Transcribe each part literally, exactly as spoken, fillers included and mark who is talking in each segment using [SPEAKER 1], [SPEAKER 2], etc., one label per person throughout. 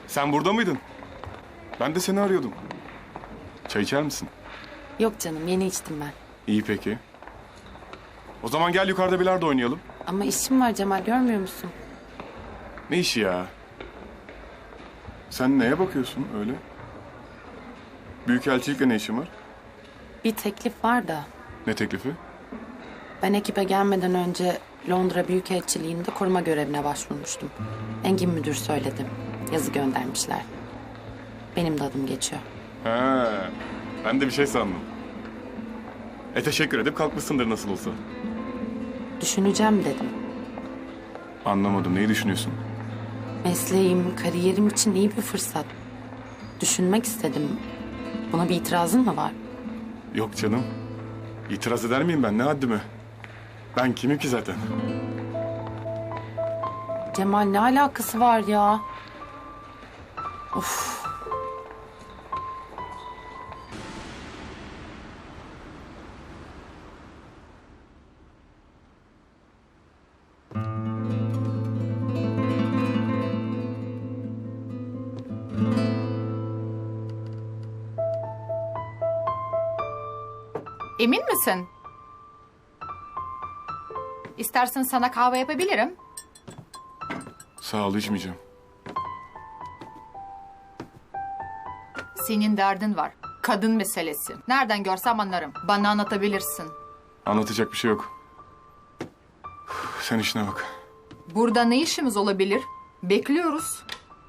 [SPEAKER 1] Sen burada mıydın? Ben de seni arıyordum. Çay içer misin?
[SPEAKER 2] Yok canım, yeni içtim ben.
[SPEAKER 1] İyi peki. O zaman gel yukarıda bilardo oynayalım.
[SPEAKER 2] Ama işim var Cemal, görmüyor musun?
[SPEAKER 1] Ne işi ya? Sen neye bakıyorsun öyle? Büyükelçilikle ne işin var?
[SPEAKER 2] Bir teklif var da.
[SPEAKER 1] Ne teklifi?
[SPEAKER 2] Ben ekibe gelmeden önce Londra Büyükelçiliği'nde koruma görevine başvurmuştum. Engin müdür söyledi. Yazı göndermişler. Benim de adım geçiyor.
[SPEAKER 1] He, ben de bir şey sandım. E teşekkür edip kalkmışsındır nasıl olsa.
[SPEAKER 2] Düşüneceğim dedim.
[SPEAKER 1] Anlamadım, neyi düşünüyorsun?
[SPEAKER 2] Mesleğim, kariyerim için iyi bir fırsat. Düşünmek istedim. Buna bir itirazın mı var?
[SPEAKER 1] Yok canım. İtiraz eder miyim ben, ne haddime? Ben kimim ki zaten?
[SPEAKER 2] Cemal, ne alakası var ya? Of.
[SPEAKER 3] Emin misin? İstersen sana kahve yapabilirim.
[SPEAKER 1] Sağ ol, içmeyeceğim.
[SPEAKER 3] Senin derdin var. Kadın meselesi. Nereden görsem anlarım. Bana anlatabilirsin.
[SPEAKER 1] Anlatacak bir şey yok. Üf, sen işine bak.
[SPEAKER 3] Burada ne işimiz olabilir? Bekliyoruz.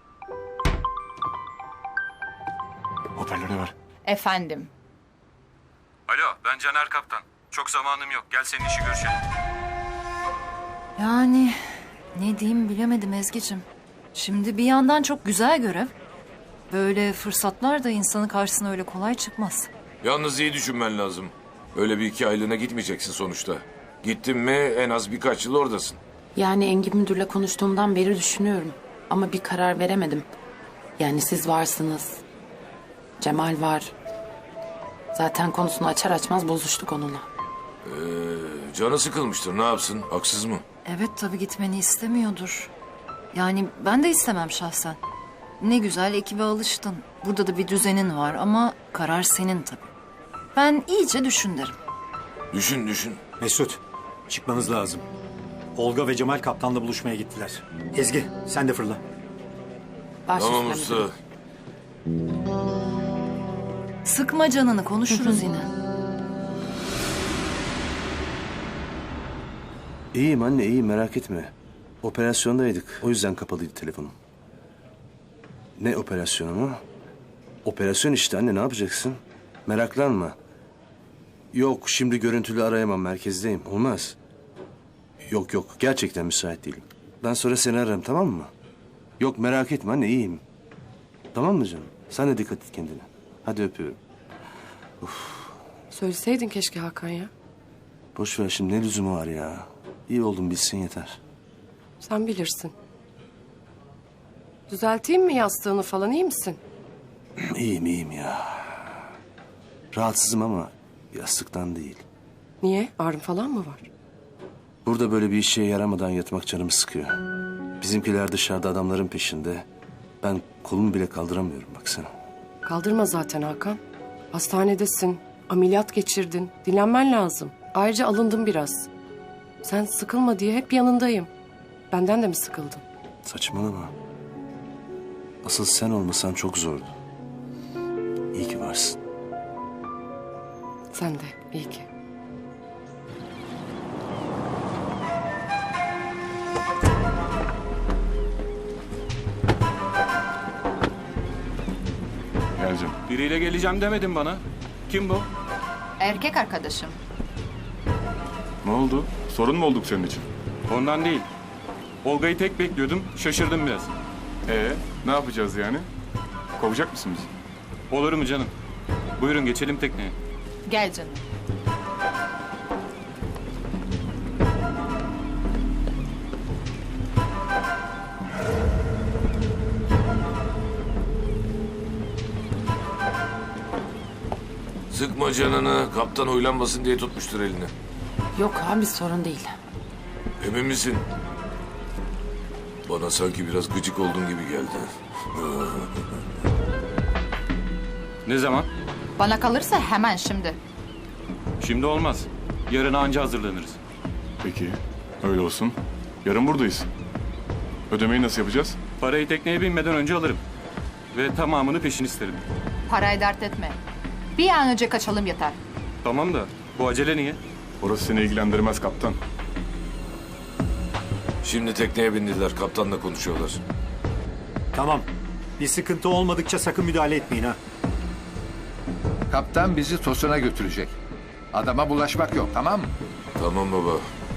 [SPEAKER 1] Hoparlörü ver.
[SPEAKER 3] Efendim.
[SPEAKER 4] Alo, ben Caner Kaptan. Çok zamanım yok. Gel senin işi görüşelim.
[SPEAKER 5] Yani ne diyeyim bilemedim Ezgi'cim. Şimdi bir yandan çok güzel görev. Böyle fırsatlar da insanın karşısına öyle kolay çıkmaz.
[SPEAKER 6] Yalnız iyi düşünmen lazım. Öyle bir iki aylığına gitmeyeceksin sonuçta. Gittin mi en az birkaç yıl oradasın.
[SPEAKER 2] Yani Engin müdürle konuştuğumdan beri düşünüyorum. Ama bir karar veremedim. Yani siz varsınız. Cemal var. Zaten konusunu açar açmaz bozuştuk onunla.
[SPEAKER 6] Ee, canı sıkılmıştır, ne yapsın? Haksız mı?
[SPEAKER 5] Evet tabii gitmeni istemiyordur. Yani ben de istemem şahsen. Ne güzel ekibe alıştın. Burada da bir düzenin var ama karar senin tabii. Ben iyice düşün derim.
[SPEAKER 6] Düşün düşün.
[SPEAKER 7] Mesut, çıkmanız lazım. Olga ve Cemal kaptanla buluşmaya gittiler. Ezgi, sen de fırla.
[SPEAKER 2] Baş
[SPEAKER 6] Tamam
[SPEAKER 2] üstüne
[SPEAKER 6] usta.
[SPEAKER 2] müdürüm.
[SPEAKER 5] Sıkma canını, konuşuruz yine.
[SPEAKER 8] İyiyim anne, iyiyim, merak etme. Operasyondaydık, o yüzden kapalıydı telefonum. Ne operasyonu mu? Operasyon işte anne, ne yapacaksın? Meraklanma. Yok, şimdi görüntülü arayamam, merkezdeyim. Olmaz. Yok yok, gerçekten müsait değilim. Ben sonra seni ararım, tamam mı? Yok, merak etme anne, iyiyim. Tamam mı canım? Sen de dikkat et kendine. Hadi öpüyorum.
[SPEAKER 9] Söyleseydin keşke Hakan ya.
[SPEAKER 8] Boş ver şimdi, ne lüzumu var ya? İyi oldum bilsin yeter.
[SPEAKER 9] Sen bilirsin. Düzelteyim mi yastığını falan, iyi misin?
[SPEAKER 8] İyiyim iyiyim ya. Rahatsızım ama yastıktan değil.
[SPEAKER 9] Niye? Ağrın falan mı var?
[SPEAKER 8] Burada böyle bir işe yaramadan yatmak canımı sıkıyor. Bizimkiler dışarıda adamların peşinde. Ben kolumu bile kaldıramıyorum baksana.
[SPEAKER 9] Kaldırma zaten Hakan. Hastanedesin. Ameliyat geçirdin. Dinlenmen lazım. Ayrıca alındım biraz. Sen sıkılma diye hep yanındayım. Benden de mi sıkıldın?
[SPEAKER 8] Saçmalama. Asıl sen olmasan çok zordu. İyi ki varsın.
[SPEAKER 9] Sen de iyi ki.
[SPEAKER 1] Geleceğim.
[SPEAKER 4] Biriyle geleceğim demedin bana. Kim bu?
[SPEAKER 3] Erkek arkadaşım.
[SPEAKER 1] Ne oldu? Sorun mu olduk senin için?
[SPEAKER 4] Ondan değil. Olga'yı tek bekliyordum. Şaşırdım biraz.
[SPEAKER 1] Ee, ne yapacağız yani? Kovacak mısın bizi?
[SPEAKER 4] Olur mu canım? Buyurun geçelim tekneye.
[SPEAKER 3] Gel canım.
[SPEAKER 6] Sıkma canını, kaptan huylanmasın diye tutmuştur elini.
[SPEAKER 2] Yok abi, sorun değil.
[SPEAKER 6] Emin misin? Bana sanki biraz gıcık olduğun gibi geldi.
[SPEAKER 4] Ne zaman?
[SPEAKER 3] Bana kalırsa hemen şimdi.
[SPEAKER 4] Şimdi olmaz. Yarın anca hazırlanırız.
[SPEAKER 1] Peki, öyle olsun. Yarın buradayız. Ödemeyi nasıl yapacağız?
[SPEAKER 4] Parayı tekneye binmeden önce alırım. Ve tamamını peşin isterim.
[SPEAKER 3] Parayı dert etme. Bir an önce kaçalım yeter.
[SPEAKER 4] Tamam da bu acele niye?
[SPEAKER 1] Orası seni ilgilendirmez kaptan.
[SPEAKER 6] Şimdi tekneye bindiler. Kaptanla konuşuyorlar.
[SPEAKER 7] Tamam. Bir sıkıntı olmadıkça sakın müdahale etmeyin ha.
[SPEAKER 10] Kaptan bizi Tosun'a götürecek. Adama bulaşmak yok, tamam mı?
[SPEAKER 6] Tamam baba.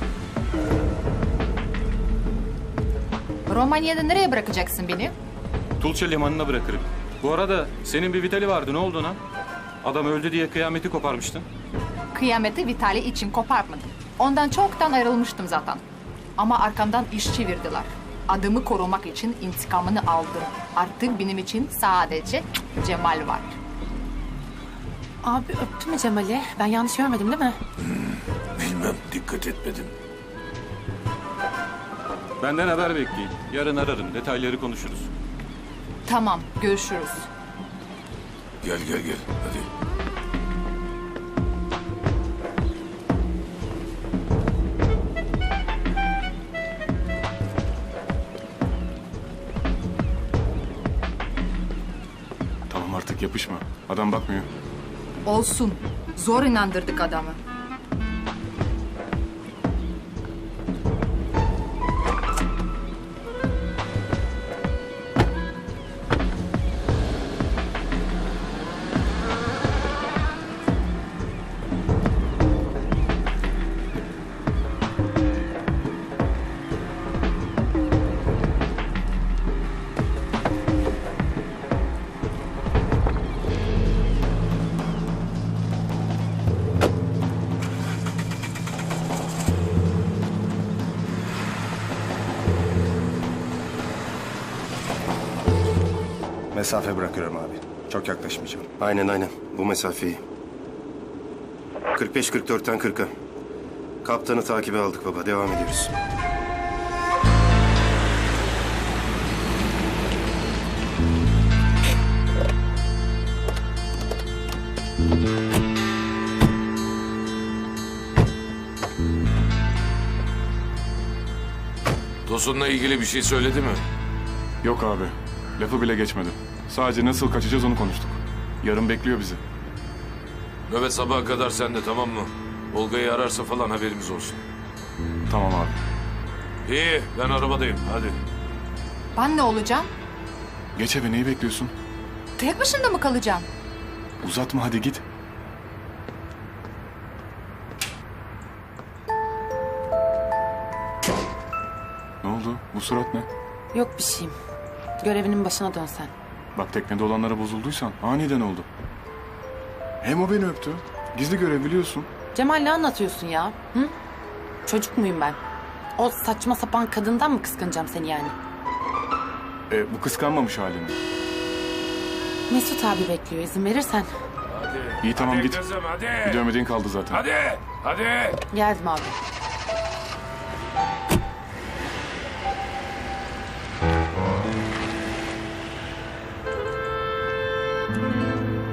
[SPEAKER 3] Romanya'da nereye bırakacaksın beni?
[SPEAKER 4] Tulça limanına bırakırım. Bu arada senin bir Vitali vardı, ne oldu ona? Adam öldü diye kıyameti koparmıştın.
[SPEAKER 3] Kıyameti Vitali için kopartmadım. Ondan çoktan ayrılmıştım zaten. Ama arkamdan iş çevirdiler. Adımı korumak için intikamını aldım. Artık benim için sadece Cemal var.
[SPEAKER 2] Abi öptü mü Cemal'i? Ben yanlış görmedim değil mi?
[SPEAKER 6] Bilmem, dikkat etmedim.
[SPEAKER 4] Benden haber bekleyin. Yarın ararım, detayları konuşuruz.
[SPEAKER 3] Tamam, görüşürüz.
[SPEAKER 6] Gel gel gel, hadi.
[SPEAKER 1] Tamam artık yapışma. Adam bakmıyor.
[SPEAKER 3] Olsun. Zor inandırdık adamı.
[SPEAKER 8] Mesafe bırakıyorum abi. Çok yaklaşmayacağım.
[SPEAKER 11] Aynen aynen. Bu mesafeyi. kırk beş kırk dörtten kırka. Kaptanı takibe aldık baba. Devam ediyoruz.
[SPEAKER 6] Tosun'la ilgili bir şey söyledi mi?
[SPEAKER 1] Yok abi. Lafı bile geçmedi. Sadece nasıl kaçacağız onu konuştuk. Yarın bekliyor bizi.
[SPEAKER 6] Nöbet sabaha kadar sende, tamam mı? Olga'yı ararsa falan haberimiz olsun.
[SPEAKER 1] Tamam abi.
[SPEAKER 6] İyi, ben arabadayım. Hadi.
[SPEAKER 3] Ben ne olacağım?
[SPEAKER 1] Geç eve, neyi bekliyorsun?
[SPEAKER 3] Tek başına mı kalacağım?
[SPEAKER 1] Uzatma hadi git. Ne oldu? Bu surat ne?
[SPEAKER 2] Yok bir şeyim. Görevinin başına dön sen.
[SPEAKER 1] Bak teknede olanlara bozulduysan aniden oldu. Hem o beni öptü. Gizli görev biliyorsun.
[SPEAKER 2] Cemal ne anlatıyorsun ya? Hı? Çocuk muyum ben? O saçma sapan kadından mı kıskanacağım seni yani?
[SPEAKER 1] E, bu kıskanmamış halini.
[SPEAKER 2] Mesut abi bekliyor, izin verirsen.
[SPEAKER 6] Hadi.
[SPEAKER 1] İyi tamam
[SPEAKER 6] Hadi
[SPEAKER 1] git.
[SPEAKER 6] kızım, hadi.
[SPEAKER 1] Bir dövmediğin kaldı zaten.
[SPEAKER 6] Hadi. Hadi.
[SPEAKER 2] Geldim abi.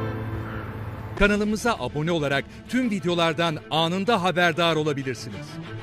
[SPEAKER 12] Kanalımıza abone olarak tüm videolardan anında haberdar olabilirsiniz.